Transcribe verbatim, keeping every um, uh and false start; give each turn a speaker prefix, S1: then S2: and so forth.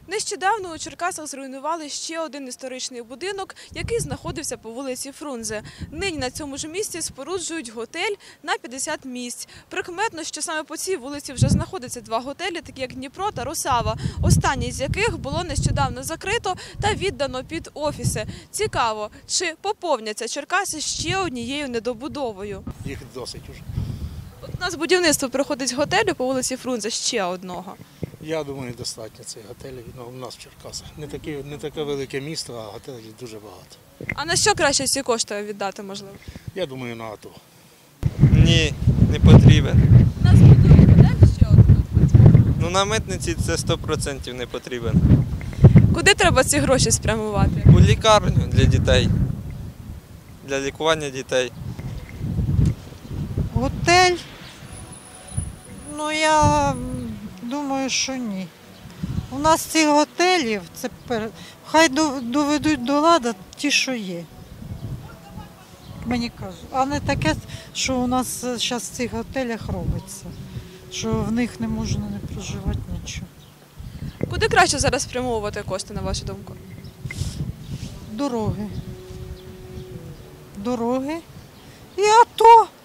S1: Нещодавно у Черкасах зруйнували ще один історичний будинок, який знаходився по вулиці Фрунзе. Нині на цьому ж місці споруджують готель на п'ятдесят місць. Прикметно, що саме по цій вулиці вже знаходяться два готелі, такі як Дніпро та Русава, останній з яких було нещодавно закрито та віддано під офіси. Цікаво, чи поповняться Черкаси ще однією недобудовою?
S2: Їх досить уже.
S1: От у нас будівництво проходить готелю по вулиці Фрунзе, ще одного.
S2: Я думаю, достатньо цих готелів у нас в Черкасах. Не таке, не таке велике місто, а готелів дуже багато.
S1: А на що краще ці кошти віддати, можливо?
S2: Я думаю, на АТО.
S3: Ні, не потрібен.
S1: У нас будують готель ще один.
S3: Ну на митниці це сто відсотків не потрібен.
S1: Куди треба ці гроші спрямувати?
S3: У лікарню для дітей, для лікування дітей.
S4: Готель? Ну, я думаю, що ні. У нас цих готелів, це пер... хай доведуть до ладу ті, що є. Мені кажуть. А не таке, що у нас зараз в цих готелях робиться. Що в них не можна не проживати нічого.
S1: Куди краще зараз спрямовувати кошти, на вашу думку?
S4: Дороги. Дороги. І АТО.